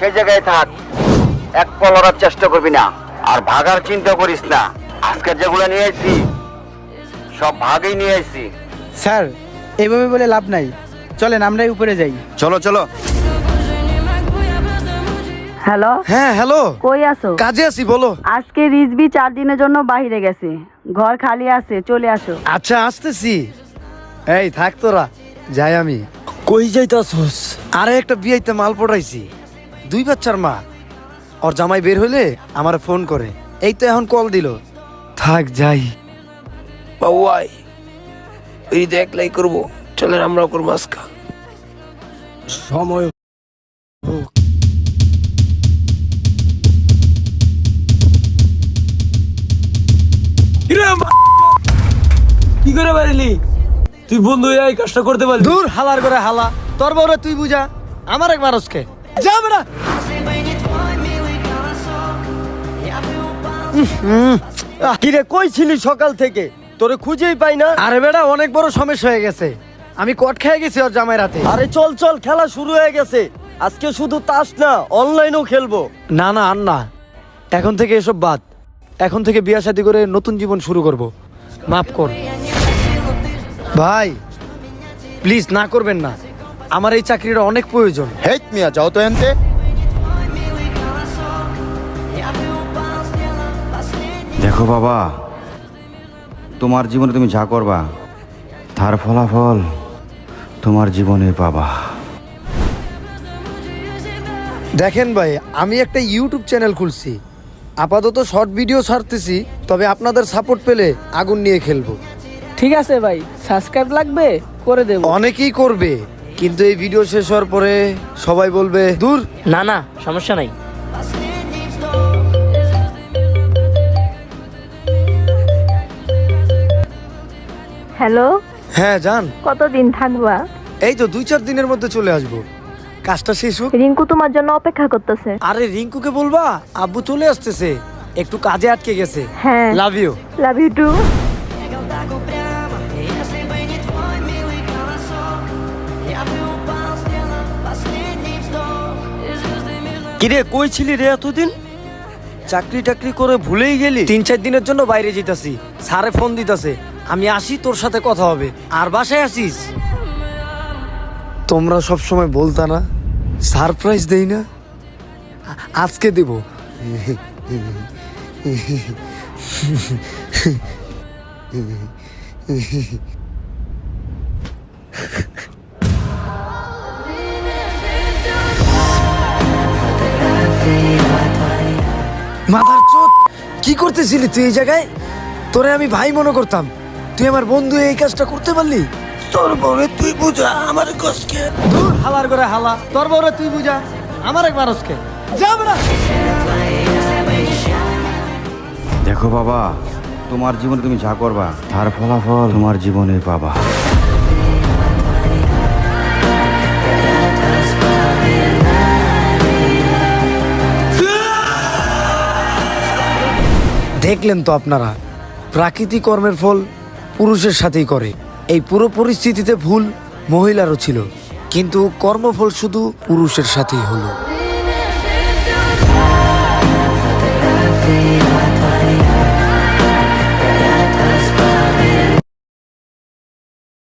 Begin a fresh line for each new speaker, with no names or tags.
সেই জায়গায় থাক, এক পা লড়ার চেষ্টা করবি না। আর ভাগার চিন্তা করিস না, আজকে যেগুলো নিয়ে আসছি সব ভাগেই নিয়ে আসছি।
স্যার এইভাবে বলে লাভ নাই, চলেন আমরাই উপরে যাই।
চলো চলো।
হ্যালো,
হ্যাঁ হ্যালো,
কই আছো?
কাজে আছি, বলো।
আজকে রিজবি 4 দিনের জন্য বাইরে গেছে, ঘর খালি আছে, চলে আসো।
আচ্ছা আসতেছি। এই থাক তোরা, যাই আমি। কই যাইতাছস? আরে একটা বিয়েতে মাল পড়াইছি, 2 বাচ্চার মা। ওর জামাই বের হইলে আমার ফোন করে, এই তো এখন কল দিল। থাক যাই।
বাবুয়াই এই দেখলাই করবো, চলেন আমরাও করবো আজকা। সময় কি করে পারিলি তুই? বন্ধু হয়ে এই কাজটা করতে পারলি?
দূর হালার করে হালা, তোর বউরে তুই বুঝা, আমার এক মানুষকে যা বেড়া।
কিরে কই ছিলি সকাল থেকে? তোরে খুঁজেই পাই না।
আরে বেড়া অনেক বড় সমস্যা হয়ে গেছে, আমি কট খেয়ে গেছি ওর জামাই রাতে।
আরে চল চল, খেলা শুরু হয়ে গেছে। আজকে শুধু তাস না, অনলাইনেও খেলবো।
না না আর না, এখন থেকে এসব বাদ। এখন থেকে বিয়ে শাদী করে নতুন জীবন শুরু করব, মাফ কর ভাই, প্লিজ না করবেন না, আমার এই চাকরিটা অনেক প্রয়োজন।
হেট মিয়া, যাও তো এনতে। দেখো বাবা, তোমার জীবনে তুমি যা করবা তার ফলাফল তোমার জীবনে পাবা।
দেখেন ভাই, আমি একটা ইউটিউব চ্যানেল খুলছি, আপাতত শর্ট ভিডিও ছাড়তেছি, তবে আপনাদের সাপোর্ট পেলে আগুন নিয়ে খেলবো।
ঠিক আছে ভাই, সাবস্ক্রাইব লাগবে, করে দেব।
অনেকেই করবে, কিন্তু এই ভিডিও শেষ হওয়ার পরে সবাই বলবে দূর।
না না, সমস্যা নাই।
হ্যালো,
হ্যাঁ জান,
কতদিন থাকবা?
এই তো 2-4 দিনের মধ্যে চলে আসবো, কাজটা শেষ হোক।
রিঙ্কু তোমার জন্য অপেক্ষা করতেছে।
আরে রিঙ্কুকে বলবা আব্বু চলে আসতেছে, একটু কাজে আটকে গেছে।
হ্যাঁ,
love you.
Love you too.
কিরে কই ছিলি রে এতদিন? চাকরি টাকরি করে ভুলেই গেলি?
3-4 দিনের জন্য বাইরে যেতেছি, স্যারে ফোন দিতেছে, আমি আসি, তোর সাথে কথা হবে। আর বাসায় আসিস? তোমরা সব সময় বলতা না সারপ্রাইজ দেই না, আজকে দেব। মাথার চোদ, কি করতেছিলি তুই এই জায়গায়? তোরে আমি ভাই মনে করতাম, তুই আমার বন্ধু, এই কাজটা করতে পারলি?
তোর বউরে তুই বুঝা আমার কষ্টকে।
দূর হালার করে হালা, তোর বউরে তুই বুঝা, আমার এক মানুষকে যা বেড়া।
দেখো বাবা, তোমার জীবনে তুমি যা করবা তার ফলাফল তোমার জীবনে পাবা।
দেখলেন তো আপনারা, প্রাকৃতিক কর্মের ফল পুরুষের সাথেই করে। এই পুরো পরিস্থিতিতে ভুল মহিলারও ছিল, কিন্তু কর্মফল শুধু পুরুষের সাথেই হলো।